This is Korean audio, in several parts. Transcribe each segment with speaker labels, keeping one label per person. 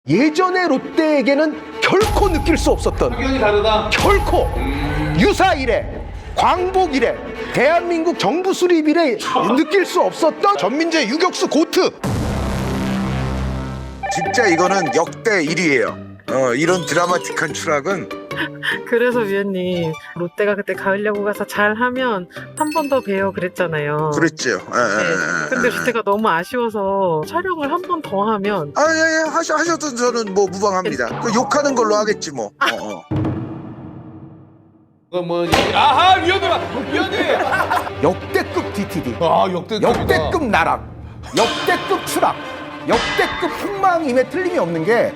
Speaker 1: 예전의 롯데에게는 결코 느낄 수 없었던
Speaker 2: 의견이 다르다.
Speaker 1: 결코 유사 이래 광복 이래 대한민국 정부 수립 이래 느낄 수 없었던 전민재 유격수 고트.
Speaker 3: 진짜 이거는 역대 1위예요. 이런 드라마틱한 추락은.
Speaker 4: 그래서 위원님 롯데가 그때 가을 야구 가서 잘하면 한 번 더 봬요 그랬잖아요.
Speaker 3: 그랬죠.
Speaker 4: 근데 롯데가 너무 아쉬워서 촬영을 한 번 더 하면
Speaker 3: 예, 하셔도 저는 뭐 무방합니다. 그 욕하는 걸로 하겠지 뭐.
Speaker 2: 그건 뭐 아하 위원님.
Speaker 1: 역대급 DTD,
Speaker 2: 아 역대급이다.
Speaker 1: 역대급 나락, 역대급 추락, 역대급 폭망임에 틀림이 없는 게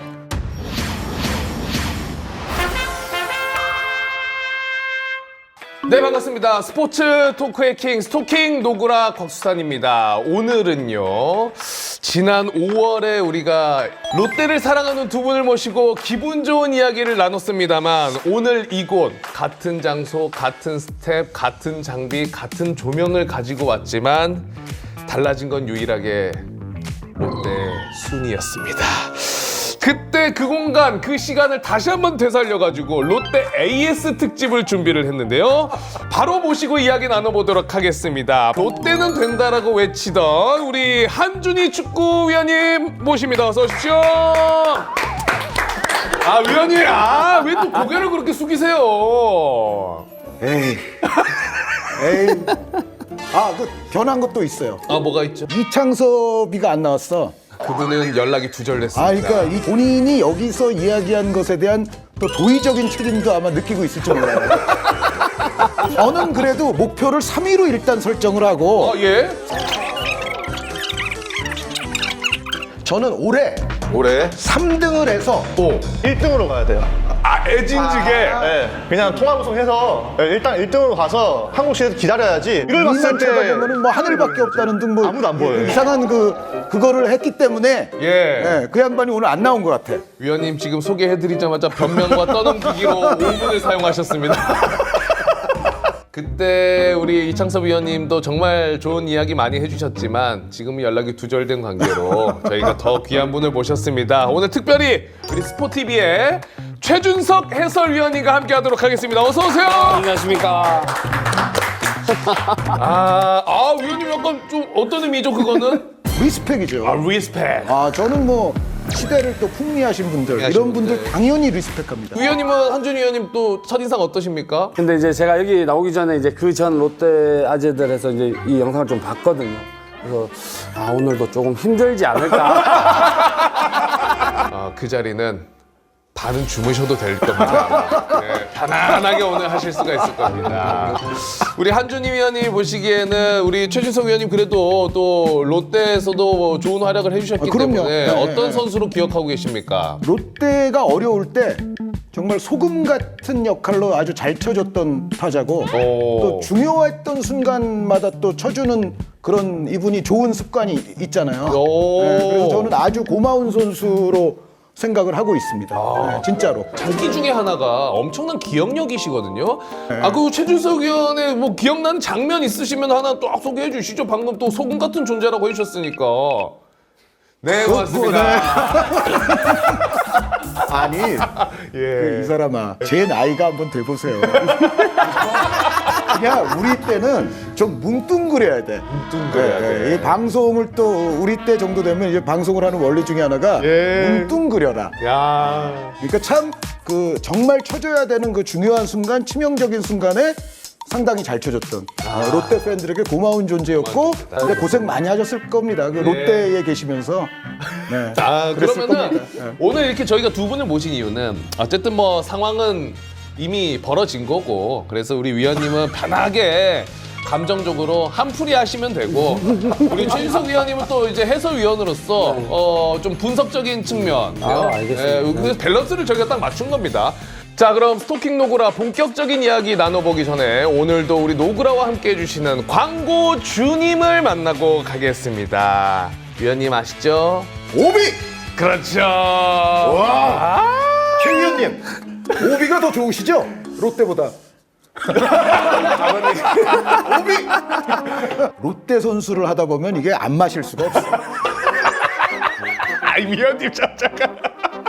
Speaker 2: 네 반갑습니다. 스포츠 토크의 킹 스토킹 노구라 곽수산입니다. 오늘은요 지난 5월에 우리가 롯데를 사랑하는 두 분을 모시고 기분 좋은 이야기를 나눴습니다만 오늘 이곳 같은 장소 같은 스텝 같은 장비 같은 조명을 가지고 왔지만 달라진 건 유일하게 롯데 순이었습니다. 그때 그 공간, 그 시간을 다시 한번 되살려가지고 롯데 AS 특집을 준비를 했는데요. 바로 모시고 이야기 나눠보도록 하겠습니다. 롯데는 된다라고 외치던 우리 한준희 축구위원님 모십니다. 어서 오십시오. 아, 위원님, 왜 또 고개를 그렇게 숙이세요?
Speaker 1: 에이 그 변한 것도 있어요.
Speaker 2: 아, 뭐가 있죠?
Speaker 1: 이창섭이가 안 나왔어.
Speaker 2: 그분은 연락이 두절됐습니다.
Speaker 1: 그러니까 이 본인이 여기서 이야기한 것에 대한 또 도의적인 책임도 아마 느끼고 있을지 몰라요. 저는 그래도 목표를 3위로 일단 설정을 하고
Speaker 2: 예?
Speaker 1: 저는 올해 3등을 해서
Speaker 5: 1등으로 가야 돼요.
Speaker 2: 애진지게.
Speaker 5: 네, 그냥 통화우승해서 일단 1등으로 가서 한국 시에서 기다려야지. 이걸 봤을
Speaker 1: 2년
Speaker 5: 때
Speaker 1: 쳐다보면은 뭐 하늘밖에 없다는 등 뭐
Speaker 5: 아무도 안 보여요.
Speaker 1: 이상한 그거를 했기 때문에
Speaker 2: 예.
Speaker 1: 그 양반이 오늘 안 나온 것 같아.
Speaker 2: 위원님 지금 소개해드리자마자 변명과 떠넘기기로 5분을 사용하셨습니다. 그때 우리 이창섭 위원님도 정말 좋은 이야기 많이 해주셨지만 지금 연락이 두절된 관계로 저희가 더 귀한 분을 모셨습니다. 오늘 특별히 우리 스포티비의 최준석 해설위원님과 함께하도록 하겠습니다. 어서 오세요.
Speaker 6: 안녕하십니까.
Speaker 2: 위원님 약간 좀 어떤 의미죠 그거는?
Speaker 1: 리스펙이죠.
Speaker 2: 리스펙.
Speaker 1: 저는 뭐 시대를 또 풍미하신 분들 이런 분들 당연히 리스펙합니다.
Speaker 2: 위원님은 한준희 위원님 또 첫인상 어떠십니까?
Speaker 6: 근데 이제 제가 여기 나오기 전에 이제 그 전 롯데 아재들에서 이제 이 영상을 좀 봤거든요. 그래서 오늘도 조금 힘들지 않을까.
Speaker 2: 그 자리는 반은 주무셔도 될 겁니다. 네, 편안하게 오늘 하실 수가 있을 겁니다. 우리 한준희 위원님 보시기에는 우리 최준석 위원님 그래도 또 롯데에서도 좋은 활약을 해주셨기
Speaker 1: 그럼요.
Speaker 2: 때문에
Speaker 1: 네,
Speaker 2: 어떤
Speaker 1: 네.
Speaker 2: 선수로 기억하고 계십니까?
Speaker 1: 롯데가 어려울 때 정말 소금 같은 역할로 아주 잘 쳐줬던 타자고 또 중요했던 순간마다 또 쳐주는 그런 이분이 좋은 습관이 있잖아요. 그래서 저는 아주 고마운 선수로 생각을 하고 있습니다. 진짜로.
Speaker 2: 특기 중에 하나가 엄청난 기억력이시거든요. 그 최준석 위원의 뭐 기억나는 장면 있으시면 하나 또 소개해 주시죠. 방금 또 소금 같은 존재라고 해주셨으니까. 네, 고맙습니다.
Speaker 1: 아니, 이 사람아, 제 나이가 한번 돼보세요. 그냥 우리 때는 좀 뭉뚱그려야 돼.
Speaker 2: 뭉뚱그려야 돼.
Speaker 1: 이 방송을 또 우리 때 정도 되면 이제 방송을 하는 원리 중에 하나가 뭉뚱그려라.
Speaker 2: 야.
Speaker 1: 그러니까 참 그 정말 쳐줘야 되는 그 중요한 순간, 치명적인 순간에 상당히 잘 쳐줬던 롯데 팬들에게 고마운 존재였고 근데 고생 많이 하셨을 겁니다. 그 롯데에 계시면서. 네. 그랬을
Speaker 2: 그러면은
Speaker 1: 겁니다.
Speaker 2: 오늘 이렇게 저희가 두 분을 모신 이유는 어쨌든 뭐 상황은 이미 벌어진 거고 그래서 우리 위원님은 편하게 감정적으로 한풀이 하시면 되고 우리 최준석 위원님은 또 이제 해설위원으로서 좀 분석적인 측면
Speaker 6: 알겠습니다.
Speaker 2: 그래서 밸런스를 저희가 딱 맞춘 겁니다. 자, 그럼 스토킹 노구라 본격적인 이야기 나눠보기 전에 오늘도 우리 노구라와 함께 해주시는 광고 주님을 만나고 가겠습니다. 위원님 아시죠?
Speaker 1: 오비!
Speaker 2: 그렇죠.
Speaker 1: 최 위원님, 오비가 더 좋으시죠? 롯데보다. 오비! 롯데 선수를 하다 보면 이게 안 마실 수가 없어요.
Speaker 2: 위원님 잠깐.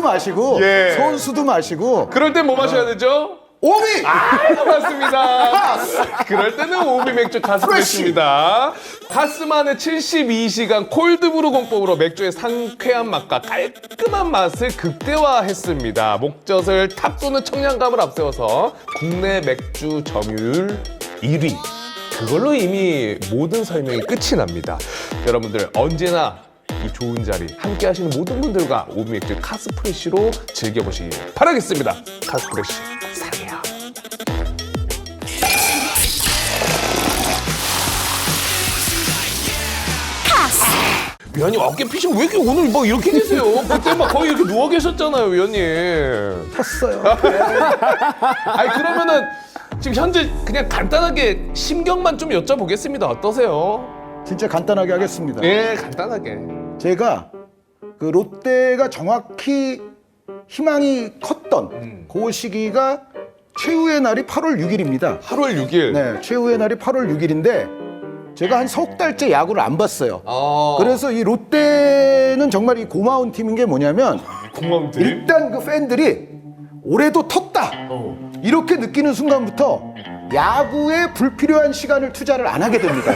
Speaker 1: 마시고
Speaker 2: 예.
Speaker 1: 선수도 마시고
Speaker 2: 그럴 땐 뭐 마셔야 되죠?
Speaker 1: 오미
Speaker 2: 맞습니다. 그럴 때는 오비 맥주 카스프레시입니다. 카스만의 72시간 콜드브루 공법으로 맥주의 상쾌한 맛과 깔끔한 맛을 극대화했습니다. 목젖을 탁 쏘는 청량감을 앞세워서 국내 맥주 점유율 1위. 그걸로 이미 모든 설명이 끝이 납니다. 여러분들 언제나 이 좋은 자리 함께 하시는 모든 분들과 오비 맥주 카스프레시로 즐겨보시길 바라겠습니다. 카스프레시 사랑해요. 위원님 어깨 피시면 왜 이렇게 오늘 뭐 이렇게 계세요? 그때 막 거의 이렇게 누워 계셨잖아요, 위원님.
Speaker 1: 탔어요.
Speaker 2: 아니 그러면은 지금 현재 그냥 간단하게 심경만 좀 여쭤보겠습니다. 어떠세요?
Speaker 1: 진짜 간단하게 하겠습니다.
Speaker 2: 예, 간단하게.
Speaker 1: 제가 그 롯데가 정확히 희망이 컸던 그 시기가 최후의 날이 8월 6일입니다.
Speaker 2: 8월 6일.
Speaker 1: 네, 최후의 날이 8월 6일인데 제가 한 석 달째 야구를 안 봤어요. 그래서 이 롯데는 정말 이 고마운 팀인 게 뭐냐면
Speaker 2: 고마운 팀.
Speaker 1: 일단 그 팬들이 올해도 텄다 이렇게 느끼는 순간부터 야구에 불필요한 시간을 투자를 안 하게 됩니다.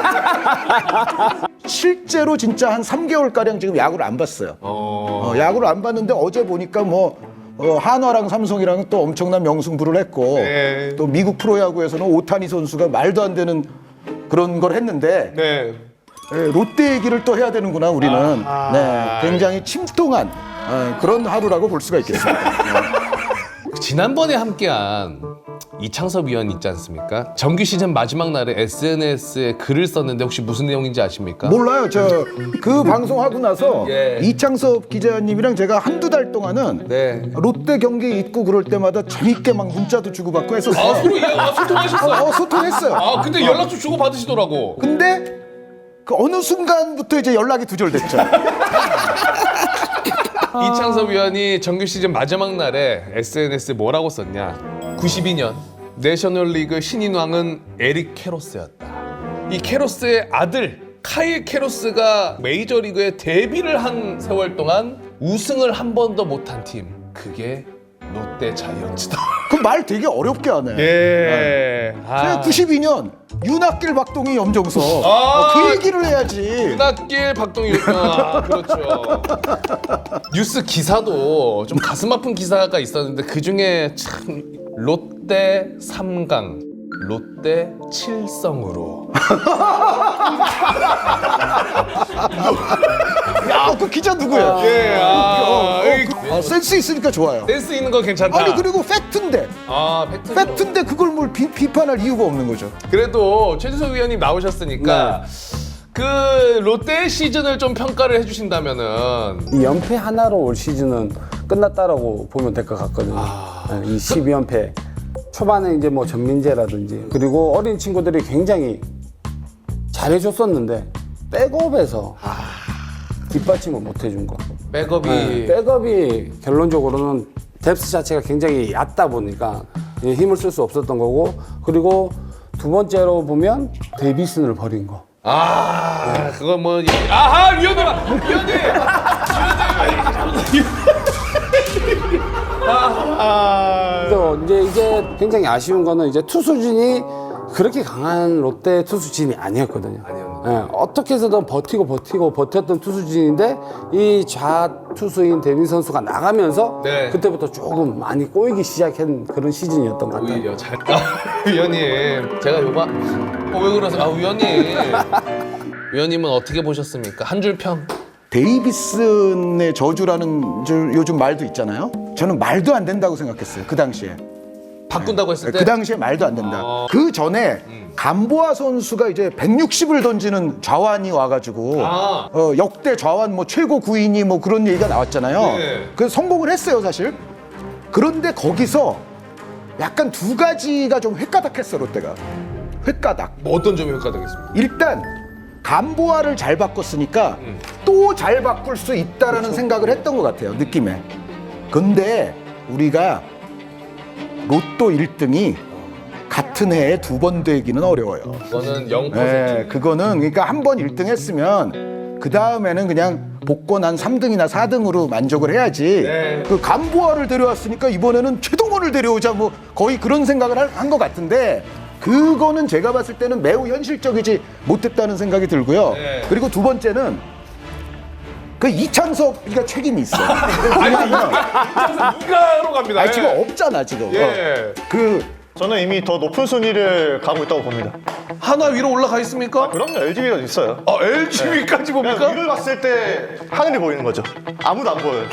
Speaker 1: 실제로 진짜 한 3개월가량 지금 야구를 안 봤어요. 야구를 안 봤는데 어제 보니까 뭐 한화랑 삼성이랑 또 엄청난 명승부를 했고
Speaker 2: 네.
Speaker 1: 또 미국 프로야구에서는 오타니 선수가 말도 안 되는 그런 걸 했는데
Speaker 2: 네.
Speaker 1: 롯데 얘기를 또 해야 되는구나 우리는. 네, 굉장히 침통한 그런 하루라고 볼 수가 있겠습니다.
Speaker 2: 지난번에 함께한 이창섭 위원 있지 않습니까? 정규 시즌 마지막 날에 SNS에 글을 썼는데 혹시 무슨 내용인지 아십니까?
Speaker 1: 몰라요. 저 그 방송하고 나서
Speaker 2: 예.
Speaker 1: 이창섭 기자님이랑 제가 한두 달 동안은
Speaker 2: 네.
Speaker 1: 롯데 경기 있고 그럴 때마다 재밌게 막 문자도 주고받고 했었어요.
Speaker 2: 서로 소통하셨어요?
Speaker 1: 소통했어요.
Speaker 2: 아 근데 연락처 주고 받으시더라고.
Speaker 1: 근데 그 어느 순간부터 이제 연락이 두절됐죠.
Speaker 2: 이창섭 위원이 정규 시즌 마지막 날에 SNS에 뭐라고 썼냐? 92년 내셔널리그 신인왕은 에릭 캐로스였다. 이 캐로스의 아들 카일 캐로스가 메이저리그에 데뷔를 한 세월 동안 우승을 한 번도 못한 팀, 그게 롯데 자이언츠다.
Speaker 1: 그 말 되게 어렵게 하네.
Speaker 2: 예.
Speaker 1: 제가 92년 윤학길, 박동희, 염정석
Speaker 2: 아.
Speaker 1: 그 얘기를 해야지.
Speaker 2: 윤학길, 박동희, 그렇죠. 뉴스 기사도 좀 가슴 아픈 기사가 있었는데 그 중에 참 롯데 3강, 롯데 7성으로.
Speaker 1: 야, 그 기자 누구야? 센스 있으니까 좋아요.
Speaker 2: 센스 있는 거 괜찮다.
Speaker 1: 아니 그리고 팩트인데 팩트인데 그걸 뭘 비판할 이유가 없는 거죠.
Speaker 2: 그래도 최주석 위원님 나오셨으니까 그 롯데 시즌을 좀 평가를 해주신다면은
Speaker 6: 이 연패 하나로 올 시즌은 끝났다라고 보면 될 것 같거든요. 네, 이 12연패. 초반에 이제 뭐 전민재라든지 그리고 어린 친구들이 굉장히 잘해줬었는데 백업에서 뒷받침을 못 해준 거.
Speaker 2: 백업이
Speaker 6: 네, 백업이 결론적으로는 뎁스 자체가 굉장히 얕다 보니까 힘을 쓸 수 없었던 거고, 그리고 두 번째로 보면 데이비슨을 버린 거.
Speaker 2: 그건 뭐 아하 위원님
Speaker 6: 또 이제 굉장히 아쉬운 거는 이제 투수진이 그렇게 강한 롯데 투수진이 아니었거든요. 예, 어떻게 해서든 버텼던 투수진인데 이 좌투수인 데빈 선수가 나가면서
Speaker 2: 네.
Speaker 6: 그때부터 조금 많이 꼬이기 시작한 그런 시즌이었던 것 같아요.
Speaker 2: 오히려 잘. 위원님 제가 요거 왜 그러세요? 위원님은 어떻게 보셨습니까? 한 줄 평.
Speaker 1: 데이비슨의 저주라는 요즘 말도 있잖아요. 저는 말도 안 된다고 생각했어요. 그 당시에.
Speaker 2: 바꾼다고 했을 때
Speaker 1: 그 당시에 말도 안 된다. 그 전에 감보아 선수가 이제 160을 던지는 좌완이 와가지고 역대 좌완 뭐 최고 구인이 뭐 그런 얘기가 나왔잖아요.
Speaker 2: 네.
Speaker 1: 그래서 성공을 했어요, 사실. 그런데 거기서 약간 두 가지가 좀 획가닥했어, 롯데가. 획가닥.
Speaker 2: 뭐 어떤 점이 효과되겠습니까?
Speaker 1: 일단 감보아를 잘 바꿨으니까 또 잘 바꿀 수 있다라는 생각을 했던 것 같아요, 느낌에. 근데 우리가 로또 1등이 같은 해에 두 번 되기는 어려워요.
Speaker 2: 그거는 0%.
Speaker 1: 네, 그거는 그러니까 한 번 1등 했으면 그 다음에는 그냥 복권 한 3등이나 4등으로 만족을 해야지.
Speaker 2: 네.
Speaker 1: 그 간보아를 데려왔으니까 이번에는 최동원을 데려오자 뭐 거의 그런 생각을 한 것 같은데 그거는 제가 봤을 때는 매우 현실적이지 못했다는 생각이 들고요.
Speaker 2: 네.
Speaker 1: 그리고 두 번째는 그 이창섭이가 책임이 있어. 왜냐하면
Speaker 2: 누가로 갑니다.
Speaker 1: 지금 없잖아 지금.
Speaker 2: 예.
Speaker 1: 그
Speaker 5: 저는 이미 더 높은 순위를 가고 있다고 봅니다.
Speaker 2: 하나 위로 올라가 있습니까?
Speaker 5: 그럼요, LG가 있어요.
Speaker 2: LG위까지
Speaker 5: 그냥
Speaker 2: 봅니까?
Speaker 5: 위를 봤을 때 하늘이 보이는 거죠. 아무도 안 보여요.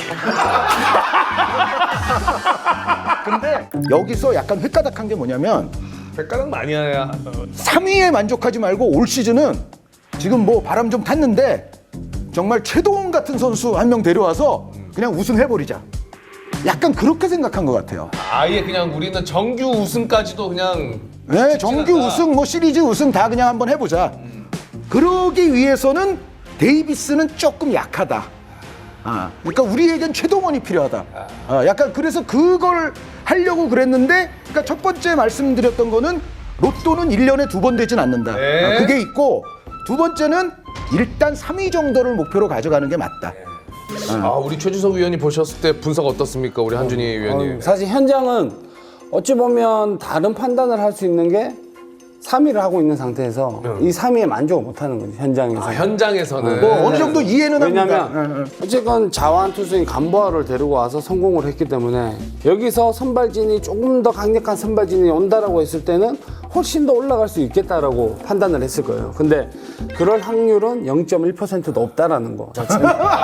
Speaker 1: 근데 여기서 약간 획가닥한 게 뭐냐면
Speaker 2: 백가락 많이 해야.
Speaker 1: 3위에 만족하지 말고 올 시즌은 지금 뭐 바람 좀 탔는데 정말 최동원 같은 선수 한 명 데려와서 그냥 우승해버리자. 약간 그렇게 생각한 것 같아요.
Speaker 2: 아예 그냥 우리는 정규 우승까지도 그냥
Speaker 1: 네, 정규
Speaker 2: 않다.
Speaker 1: 우승, 뭐 시리즈 우승 다 그냥 한번 해보자. 그러기 위해서는 데이비스는 조금 약하다. 그러니까 우리에겐 최동원이 필요하다. 약간 그래서 그걸 하려고 그랬는데, 그러니까 첫 번째 말씀드렸던 거는 로또는 1년에 2번 되진 않는다.
Speaker 2: 네.
Speaker 1: 그게 있고, 두 번째는 일단 3위 정도를 목표로 가져가는 게 맞다.
Speaker 2: 우리 최주석 위원님 보셨을 때 분석 어떻습니까? 우리 한준희 위원님.
Speaker 6: 사실 현장은 어찌 보면 다른 판단을 할 수 있는 게 3위를 하고 있는 상태에서 이 3위에 만족을 못하는 거죠, 현장에서.
Speaker 2: 현장에서는
Speaker 1: 뭐 어느 정도 이해는 합니다.
Speaker 6: 왜냐면 어쨌건 자완 투수인 간보아를 데리고 와서 성공을 했기 때문에 여기서 선발진이 조금 더 강력한 선발진이 온다라고 했을 때는 훨씬 더 올라갈 수 있겠다라고 판단을 했을 거예요. 근데 그럴 확률은 0.1%도 없다라는 거 자체는.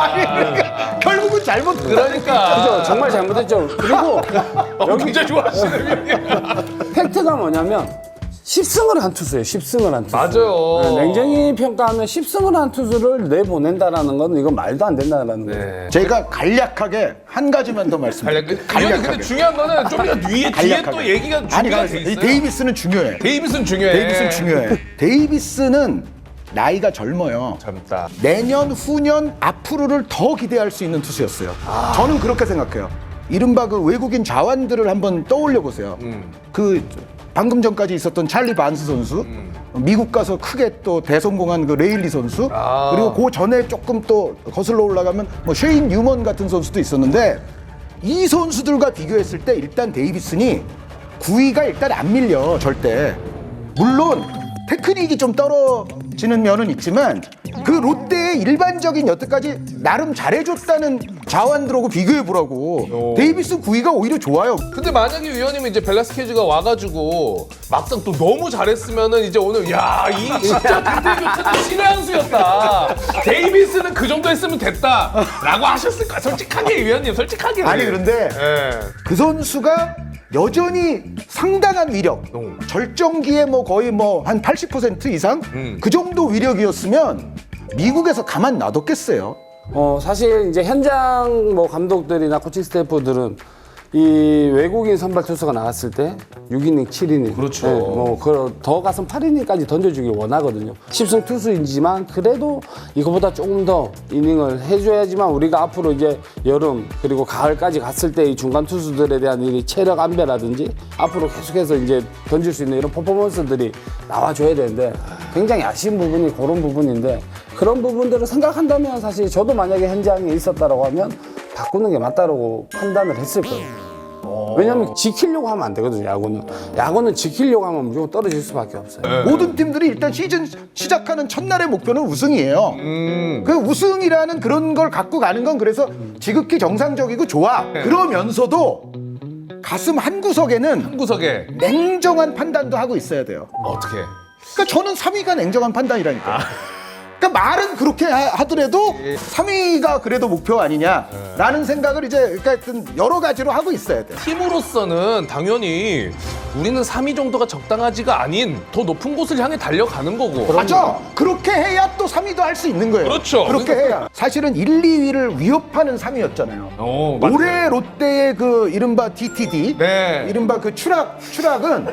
Speaker 1: 결국은 잘못
Speaker 2: 그러니까
Speaker 6: 그죠? 정말 잘못했죠. 그리고 여기
Speaker 2: 굉장히 좋아하시는 위원님.
Speaker 6: 팩트가 뭐냐면 10승을 한 투수예요. 10승을 한 투수.
Speaker 2: 맞아요.
Speaker 6: 냉정히 평가하면 10승을 한 투수를 내보낸다라는 건 이건 말도 안 된다라는 거예요.
Speaker 2: 네.
Speaker 1: 제가 간략하게 한 가지만 더 말씀드릴게요.
Speaker 2: 위원님 근데 중요한 거는 좀 더 뒤에 또 얘기가
Speaker 1: 아니,
Speaker 2: 준비가 돼
Speaker 1: 이
Speaker 2: 있어요.
Speaker 1: 데이비스는 중요해.
Speaker 2: 데이비스는 중요해.
Speaker 1: 데이비스는 중요해. 데이비스는 나이가 젊어요.
Speaker 2: 젊다.
Speaker 1: 내년, 후년, 앞으로를 더 기대할 수 있는 투수였어요. 저는 그렇게 생각해요. 이른바 그 외국인 자완들을 한번 떠올려 보세요. 그 방금 전까지 있었던 찰리 반스 선수, 미국 가서 크게 또 대성공한 그 레일리 선수, 그리고 그 전에 조금 또 거슬러 올라가면 뭐 쉐인 뉴먼 같은 선수도 있었는데 이 선수들과 비교했을 때 일단 데이비슨이 9위가 일단 안 밀려 절대. 물론 테크닉이 좀 떨어지는 면은 있지만 그 롯데의 일반적인 여태까지 나름 잘해줬다는 자완들하고 비교해보라고. 데이비슨 9위가 오히려 좋아요.
Speaker 2: 근데 만약에 위원님이 이제 벨라스케즈가 와가지고 막상 또 너무 잘했으면은 이제 오늘 야 이 진짜 김태균 교체는 신의 한 수였다. 데이비스는 그 정도 했으면 됐다라고 하셨을 거야. 솔직하게 위원님, 솔직하게.
Speaker 1: 아니 그런데
Speaker 2: 예.
Speaker 1: 그 선수가 여전히 상당한 위력, 절정기에 뭐 거의 뭐 한 80% 이상 그 정도 위력이었으면 미국에서 가만 놔뒀겠어요.
Speaker 6: 사실 이제 현장 뭐 감독들이나 코칭 스태프들은 이 외국인 선발 투수가 나왔을 때 6이닝, 7이닝,
Speaker 2: 그렇죠.
Speaker 6: 더 가서 8이닝까지 던져주길 원하거든요. 10승 투수이지만 그래도 이거보다 조금 더 이닝을 해줘야지만 우리가 앞으로 이제 여름 그리고 가을까지 갔을 때 이 중간 투수들에 대한 이 체력 안배라든지 앞으로 계속해서 이제 던질 수 있는 이런 퍼포먼스들이 나와줘야 되는데 굉장히 아쉬운 부분이 그런 부분인데 그런 부분들을 생각한다면 사실 저도 만약에 현장에 있었다라고 하면 바꾸는 게 맞다라고 판단을 했을 거예요. 왜냐면 지키려고 하면 안 되거든요, 야구는. 야구는 지키려고 하면 무조건 떨어질 수밖에 없어요.
Speaker 1: 모든 팀들이 일단 시즌 시작하는 첫날의 목표는 우승이에요. 그 우승이라는 그런 걸 갖고 가는 건 그래서 지극히 정상적이고 좋아. 그러면서도 가슴 한 구석에는
Speaker 2: 한 구석에
Speaker 1: 냉정한 판단도 하고 있어야 돼요.
Speaker 2: 어떻게?
Speaker 1: 그러니까 저는 3위가 냉정한 판단이라니까요. 그러니까 말은 그렇게 하더라도 3위가 그래도 목표 아니냐라는 생각을 이제 그러니까 하여튼 여러 가지로 하고 있어야 돼요.
Speaker 2: 팀으로서는 당연히 우리는 3위 정도가 적당하지가 아닌 더 높은 곳을 향해 달려가는 거고.
Speaker 1: 맞죠? 그렇게 해야 또 3위도 할 수 있는 거예요.
Speaker 2: 그렇죠.
Speaker 1: 그렇게 해야. 사실은 1, 2위를 위협하는 3위였잖아요.
Speaker 2: 맞아요.
Speaker 1: 올해 롯데의 그 이른바 DTD,
Speaker 2: 네.
Speaker 1: 이른바 그 추락은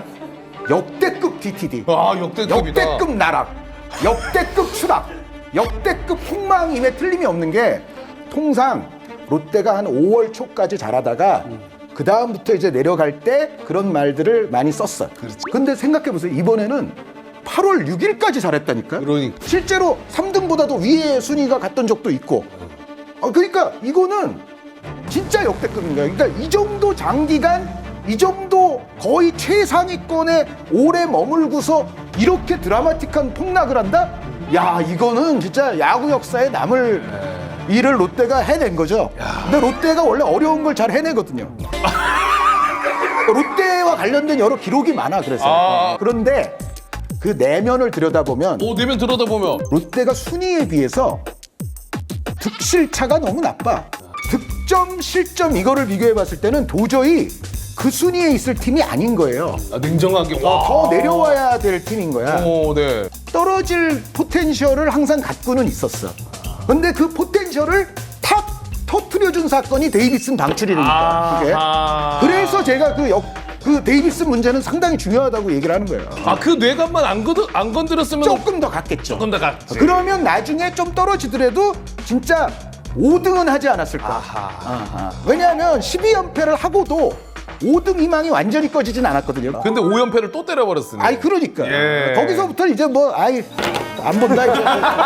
Speaker 1: 역대급 DTD,
Speaker 2: 역대급이다.
Speaker 1: 역대급 나락, 역대급 추락, 역대급 폭망임에 틀림이 없는 게 통상 롯데가 한 5월 초까지 잘하다가 그 다음부터 이제 내려갈 때 그런 말들을 많이 썼어요. 근데 생각해보세요. 이번에는 8월 6일까지 잘했다니까요.
Speaker 2: 그러니까.
Speaker 1: 실제로 3등보다도 위에 순위가 갔던 적도 있고 그러니까 이거는 진짜 역대급인 거예요. 그러니까 이 정도 장기간, 이 정도 거의 최상위권에 오래 머물고서 이렇게 드라마틱한 폭락을 한다? 야, 이거는 진짜 야구 역사에 남을 일을 롯데가 해낸 거죠. 근데 롯데가 원래 어려운 걸 잘 해내거든요. 롯데와 관련된 여러 기록이 많아, 그래서. 그런데 그 내면을 들여다보면
Speaker 2: 내면 들여다보면
Speaker 1: 롯데가 순위에 비해서 득실차가 너무 나빠. 득점, 실점 이거를 비교해 봤을 때는 도저히 그 순위에 있을 팀이 아닌 거예요.
Speaker 2: 냉정하게
Speaker 1: 더 내려와야 될 팀인 거야.
Speaker 2: 네.
Speaker 1: 떨어질 포텐셜을 항상 갖고는 있었어. 근데 그 포텐셜을 탁 터트려준 사건이 데이비슨 방출이니까. 그게. 그래서 제가 그 데이비슨 문제는 상당히 중요하다고 얘기를 하는 거예요.
Speaker 2: 그 뇌관만 안 건드렸으면
Speaker 1: 조금 더 갔겠죠.
Speaker 2: 조금 더 갔지.
Speaker 1: 그러면 나중에 좀 떨어지더라도 진짜 5등은 하지 않았을까. 왜냐하면 12연패를 하고도 5등 희망이 완전히 꺼지진 않았거든요.
Speaker 2: 근데 5연패를 또 때려버렸으니.
Speaker 1: 그러니까.
Speaker 2: 예.
Speaker 1: 거기서부터 이제 안 본다, 이제.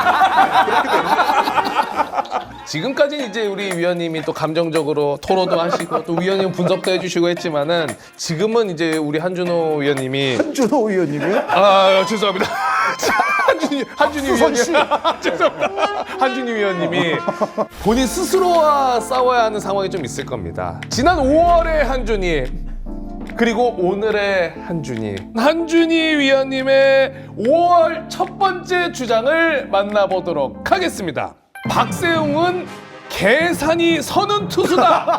Speaker 2: 지금까지는 이제 우리 위원님이 또 감정적으로 토로도 하시고 또 위원님 분석도 해주시고 했지만은 지금은 이제 우리 한준호 위원님이
Speaker 1: 한준호 의원님이요?
Speaker 2: 죄송합니다. 한준희 위원님. 죄송합니다. 한준희 위원님이 본인 스스로와 싸워야 하는 상황이 좀 있을 겁니다. 지난 5월의 한준희 그리고 오늘의 한준희 위원님의 5월 첫 번째 주장을 만나보도록 하겠습니다. 박세웅은 계산이 서는 투수다.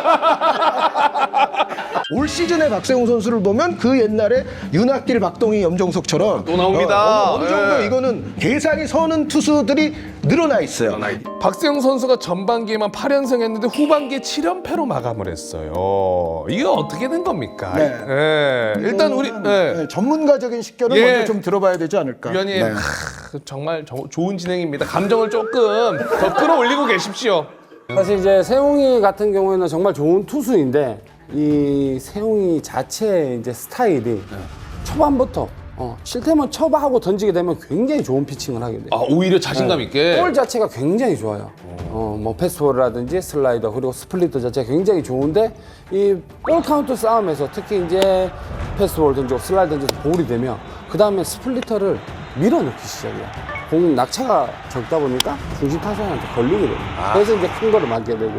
Speaker 1: 올 시즌의 박세웅 선수를 보면 그 옛날에 윤학길, 박동희, 염정석처럼
Speaker 2: 또 나옵니다.
Speaker 1: 어느 정도
Speaker 2: 예.
Speaker 1: 이거는 계산이 서는 투수들이 늘어나 있어요.
Speaker 2: 박세웅 선수가 전반기에만 8연승 했는데 후반기에 7연패로 마감을 했어요. 이게 어떻게 된 겁니까?
Speaker 1: 네.
Speaker 2: 예. 일단 우리
Speaker 1: 전문가적인 식견을
Speaker 2: 예.
Speaker 1: 먼저 좀 들어봐야 되지 않을까.
Speaker 2: 위원님
Speaker 1: 네.
Speaker 2: 정말 좋은 진행입니다. 감정을 조금 더 끌어올리고 계십시오.
Speaker 6: 사실 이제 세웅이 같은 경우에는 정말 좋은 투수인데 이 세웅이 자체의 이제 스타일이 초반부터 실템은 쳐하고 던지게 되면 굉장히 좋은 피칭을 하게 돼요.
Speaker 2: 오히려 자신감 있게.
Speaker 6: 볼 자체가 굉장히 좋아요. 뭐 패스볼이라든지 슬라이더 그리고 스플리터 자체가 굉장히 좋은데 이 볼 카운트 싸움에서 특히 이제 패스볼 던지고 슬라이더 던져서 볼이 되면 그 다음에 스플리터를 밀어넣기 시작해요. 공 낙차가 적다 보니까 중심 타선한테 걸리게 돼요. 그래서 이제 큰 거를 맞게 되고.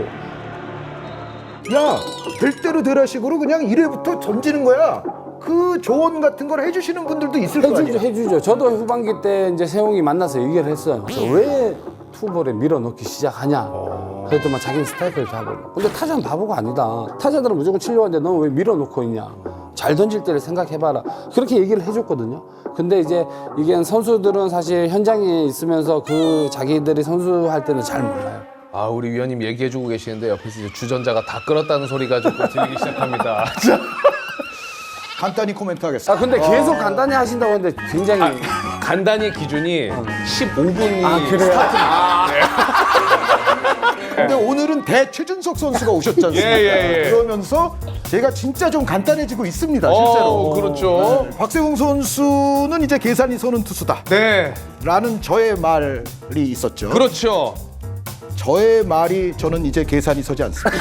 Speaker 1: 야, 될 대로 되라식으로 그냥 1회부터 던지는 거야. 그 조언 같은 걸 해주시는 분들도 있을 거 아니야.
Speaker 6: 해주죠. 저도 후반기 때 이제 세웅이 만나서 얘기를 했어요. 왜 투볼에 밀어넣기 시작하냐. 그랬더니 자기는 스타일을 다 보고. 근데 타자는 바보가 아니다. 타자들은 무조건 치려고 하는데 너 왜 밀어넣고 있냐. 잘 던질 때를 생각해봐라. 그렇게 얘기를 해줬거든요. 근데 이제 이게 선수들은 사실 현장에 있으면서 그 자기들이 선수할 때는 잘 몰라요.
Speaker 2: 우리 위원님 얘기해주고 계시는데 옆에서 이제 주전자가 다 끌었다는 소리가 좀 들리기 시작합니다.
Speaker 1: 간단히 코멘트 하겠습니다.
Speaker 6: 근데 계속 간단히 하신다고 하는데 굉장히.
Speaker 2: 간단히 기준이 15분이
Speaker 6: 그래요?
Speaker 1: 근데 오늘은 대최준석 선수가 오셨지 않습니까?
Speaker 2: 예.
Speaker 1: 그러면서 제가 진짜 좀 간단해지고 있습니다, 실제로.
Speaker 2: 그렇죠.
Speaker 1: 박세웅 선수는 이제 계산이 서는 투수다.
Speaker 2: 네.
Speaker 1: 라는 저의 말이 있었죠.
Speaker 2: 그렇죠.
Speaker 1: 저의 말이 저는 이제 계산이 서지 않습니다.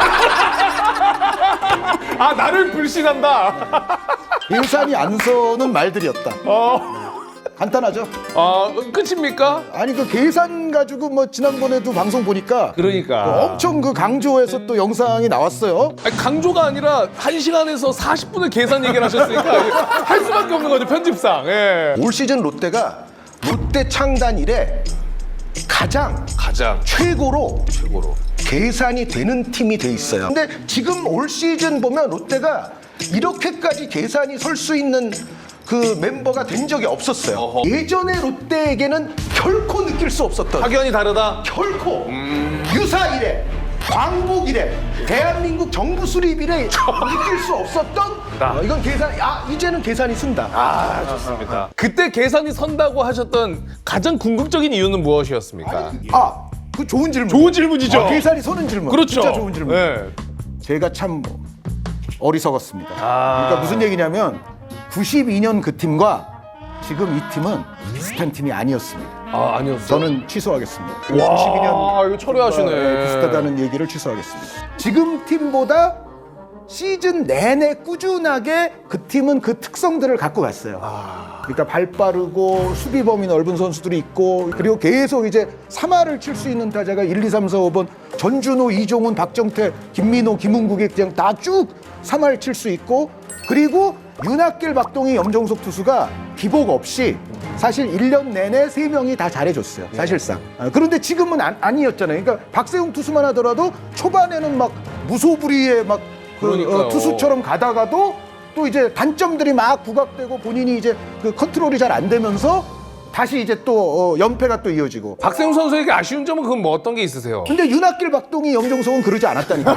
Speaker 2: 나를 불신한다.
Speaker 1: 계산이 안 서는 말들이었다. 간단하죠?
Speaker 2: 끝입니까?
Speaker 1: 아니 그 계산 가지고 뭐 지난번에도 방송 보니까
Speaker 2: 그러니까.
Speaker 1: 엄청 그 강조해서 또 영상이 나왔어요.
Speaker 2: 강조가 아니라 1시간에서 40분을 계산 얘기를 하셨으니까 할 수밖에 없는 거죠, 편집상. 예.
Speaker 1: 올 시즌 롯데가 롯데 창단 이래 가장 최고로 계산이 되는 팀이 돼 있어요. 근데 지금 올 시즌 보면 롯데가 이렇게까지 계산이 설 수 있는 그 멤버가 된 적이 없었어요. 예전에 롯데에게는 결코 느낄 수 없었던
Speaker 2: 확연히 다르다.
Speaker 1: 결코 유사 이래 광복 이래 대한민국 정부 수립 이래 느낄 수 없었던 이건 계산 이제는 계산이 쓴다.
Speaker 2: 좋습니다. 그때 계산이 선다고 하셨던 가장 궁극적인 이유는 무엇이었습니까?
Speaker 1: 그 좋은 질문.
Speaker 2: 좋은 질문이죠.
Speaker 1: 계산이 서는 질문.
Speaker 2: 그렇죠.
Speaker 1: 진짜 좋은 질문.
Speaker 2: 네.
Speaker 1: 제가 참 어리석었습니다. 그러니까 무슨 얘기냐면 92년 그 팀과 지금 이 팀은 비슷한 팀이 아니었습니다.
Speaker 2: 아, 아니었어요.
Speaker 1: 저는 취소하겠습니다.
Speaker 2: 와, 이거 철회하시네.
Speaker 1: 비슷하다는 얘기를 취소하겠습니다. 지금 팀보다 시즌 내내 꾸준하게 그 팀은 그 특성들을 갖고 갔어요. 그러니까 발 빠르고 수비 범위 넓은 선수들이 있고, 그리고 계속 이제 3할을 칠 수 있는 타자가 1, 2, 3, 4, 5번 전준호, 이종훈, 박정태, 김민호, 김은국이 그냥 다 쭉 3할 칠 수 있고, 그리고 윤학길, 박동희, 염정석 투수가 기복 없이 사실 1년 내내 3명이 다 잘해줬어요, 사실상. 그런데 지금은 아니었잖아요. 그러니까 박세웅 투수만 하더라도 초반에는 막 무소불위의 막
Speaker 2: 그러니까요.
Speaker 1: 투수처럼 가다가도 또 이제 단점들이 막 부각되고 본인이 이제 그 컨트롤이 잘 안 되면서 다시 이제 또 연패가 또 이어지고.
Speaker 2: 박세웅 선수에게 아쉬운 점은 그럼 뭐 어떤 게 있으세요?
Speaker 1: 근데 윤학길, 박동희, 염정석은 그러지 않았다니까요.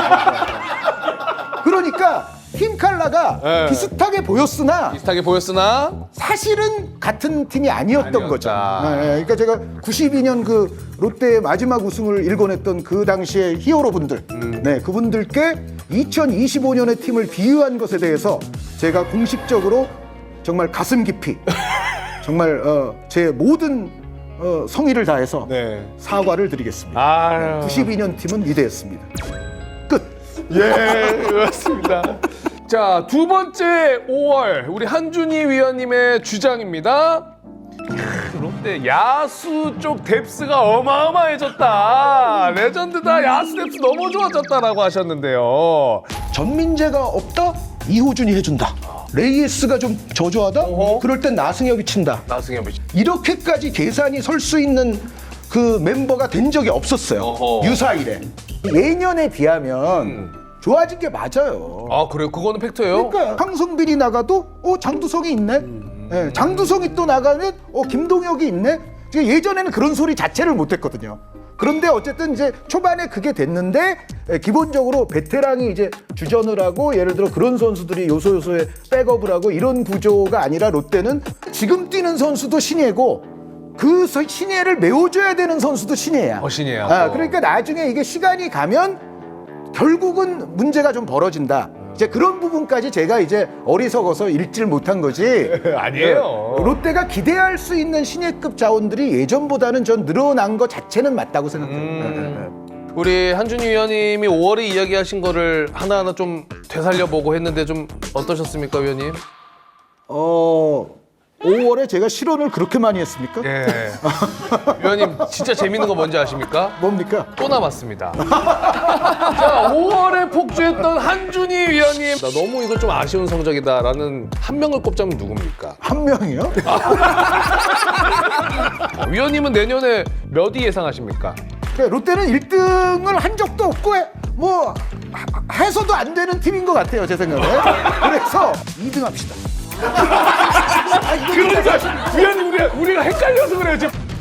Speaker 1: 그러니까 팀 칼라가
Speaker 2: 네.
Speaker 1: 비슷하게 보였으나
Speaker 2: 비슷하게 보였으나
Speaker 1: 사실은 같은 팀이 아니었던
Speaker 2: 아니었다.
Speaker 1: 거죠. 그러니까 제가 92년 그 롯데의 마지막 우승을 일궈냈던 그 당시의 히어로분들, 네, 그분들께 2025년의 팀을 비유한 것에 대해서 제가 공식적으로 정말 가슴 깊이 정말 제 모든 성의를 다해서
Speaker 2: 네.
Speaker 1: 사과를 드리겠습니다.
Speaker 2: 아유.
Speaker 1: 92년 팀은 위대했습니다. 끝.
Speaker 2: 예, 그렇습니다. 자, 두 번째 5월 우리 한준희 위원님의 주장입니다. 롯데 야수 쪽 뎁스가 어마어마해졌다. 레전드다. 야수 뎁스 너무 좋아졌다라고 하셨는데요.
Speaker 1: 전민재가 없다? 이호준이 해준다. 레이에스가 좀 저조하다?
Speaker 2: 어허.
Speaker 1: 그럴 땐 나승엽이 친다.
Speaker 2: 나승엽 씨.
Speaker 1: 이렇게까지 계산이 설 수 있는 그 멤버가 된 적이 없었어요.
Speaker 2: 어허.
Speaker 1: 유사일에. 예년에 비하면 좋아진 게 맞아요.
Speaker 2: 아, 그래요? 그거는 팩트예요?
Speaker 1: 그러니까 황성빈이 나가도 장두성이 있네. 예, 장두성이 또 나가면 김동혁이 있네. 예전에는 그런 소리 자체를 못했거든요. 그런데 어쨌든 이제 초반에 그게 됐는데 기본적으로 베테랑이 이제 주전을 하고 예를 들어 그런 선수들이 요소요소에 백업을 하고 이런 구조가 아니라 롯데는 지금 뛰는 선수도 신예고 그 신예를 메워줘야 되는 선수도 신예야.
Speaker 2: 신예야.
Speaker 1: 그러니까 나중에 이게 시간이 가면 결국은 문제가 좀 벌어진다. 이제 그런 부분까지 제가 이제 어리석어서 읽질 못한 거지.
Speaker 2: 아니에요.
Speaker 1: 롯데가 기대할 수 있는 신예급 자원들이 예전보다는 전 늘어난 것 자체는 맞다고 생각해요.
Speaker 2: 우리 한준희 위원님이 5월에 이야기하신 거를 하나하나 좀 되살려보고 했는데 좀 어떠셨습니까, 위원님?
Speaker 1: 5월에 제가 실언을 그렇게 많이 했습니까?
Speaker 2: 예. 위원님 진짜 재밌는 거 뭔지 아십니까?
Speaker 1: 뭡니까?
Speaker 2: 또 남았습니다. 자, 5월에 폭주했던 한준희 위원님. 나 너무 이거 좀 아쉬운 성적이다라는 한 명을 꼽자면 누굽니까?
Speaker 1: 한 명이요?
Speaker 2: 위원님은 내년에 몇 위 예상하십니까?
Speaker 1: 그러니까 롯데는 1등을 한 적도 없고 해서도 안 되는 팀인 것 같아요, 제 생각에. 그래서 2등 합시다.
Speaker 2: 그러니까 위원님 우리가 헷갈려서 그래요 지금.